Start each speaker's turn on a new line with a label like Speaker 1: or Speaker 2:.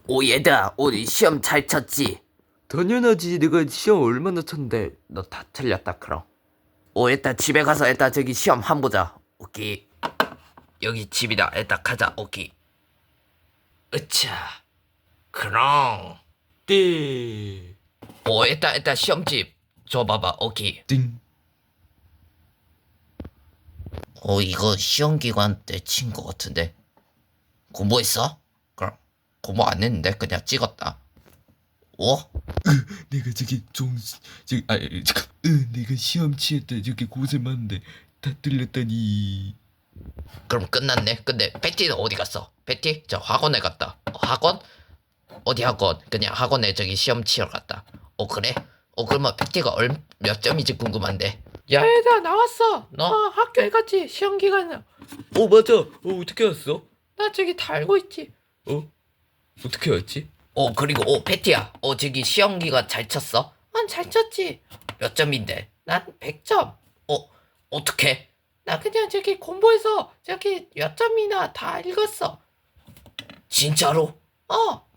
Speaker 1: 오 얘들아 우리 시험 잘 쳤지?
Speaker 2: 당연하지. 내가 시험 얼마나 쳤는데.
Speaker 1: 너 다 틀렸다 그럼. 오 일단 집에 가서 일단 저기 시험 한 보자. 오케이. 여기 집이다. 일단 가자. 오케이. 으차. 그럼.
Speaker 2: 네.
Speaker 1: 오 일단 시험집 줘봐봐. 오케이.
Speaker 2: 띵.
Speaker 1: 이거 시험 기간 때 친 거 같은데. 공부했어? 그럼 공부 안 했는데 그냥 찍었다. 오?
Speaker 2: 내가 잠깐. 내가 시험 치을 때 저기 고생 많은데 다 틀렸다니.
Speaker 1: 그럼 끝났네. 근데 패티는 어디 갔어? 패티? 저 학원에 갔다. 학원? 어디 학원? 그냥 학원에 저기 시험 치러 갔다. 그래? 그러면 패티가 몇 점인지 궁금한데. 야 얘들아 나왔어. 너 학교에 갔지? 시험 기간에.
Speaker 2: 맞아. 어떻게 왔어?
Speaker 1: 나 저기 다 알고 있지.
Speaker 2: 어떻게 왔지?
Speaker 1: 그리고 패티야. 저기 시험 기간 잘 쳤어? 잘 쳤지. 몇 점인데? 난 100점. 어떻게? 나 그냥 저기 공부해서 저기 몇 점이나 다 읽었어. 진짜로?